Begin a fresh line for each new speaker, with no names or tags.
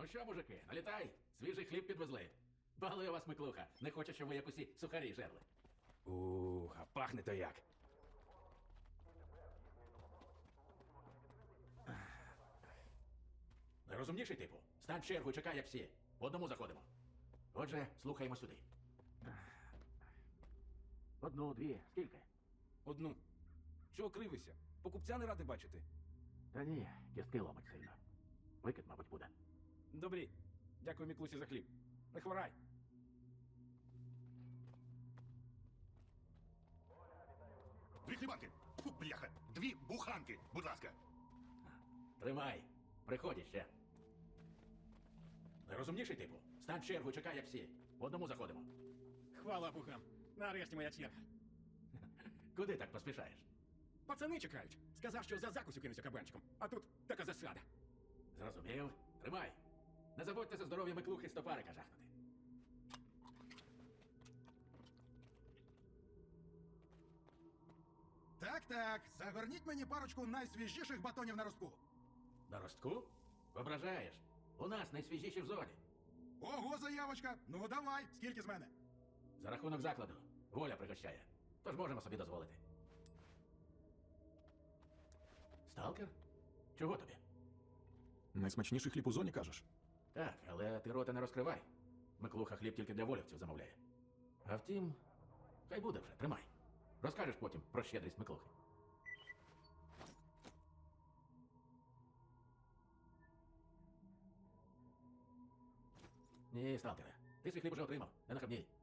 що, мужики, налітай, свіжий хліб підвезли. Балує вас Миклуха, не хоче, щоб ви як усі сухарі жерли.
А пахне то як.
Найрозумніший типу. Стань в чергу і чекай, як всі. По одному заходимо. Отже, слухаємо сюди. Одну, дві, скільки?
Одну. Чого кривися? Покупця не радий бачити.
Та ні, кістки ломить сильно. Викид, мабуть, буде.
Добрі. Дякую, Міклусі, за хліб. Не хворай.
Дві хлібанки. Фу, бляха. Дві буханки, будь ласка.
Тримай. Приходь ще. Найрозумніший типу. Стань в чергу і чекай, як всі. По одному заходимо.
Хвала богам. Нарешті моя черга.
Куди так поспішаєш?
Пацани чекають. Сказав, що за закусю кинуся кабанчиком. А тут така засада.
Зрозумів? Тримай. Не забудьте за здоров'я Миклухи стопарика жахнути.
Так, загорніть мені парочку найсвіжіших батонів на ростку.
На ростку? Ображаєш. У нас найсвіжіші в зоні.
Ого, заявочка. Ну давай, скільки з мене?
За рахунок закладу. Воля пригощає. Тож можемо собі дозволити. Сталкер? Чого тобі?
Найсмачніший хліб у зоні, кажеш?
Так, але ти рота не розкривай. Миклуха хліб тільки для волівців замовляє. А втім, хай буде вже, тримай. Розкажеш потім про щедрість Миклухи. Ні, сталкере, ти свій хліб уже отримав, не нахабній.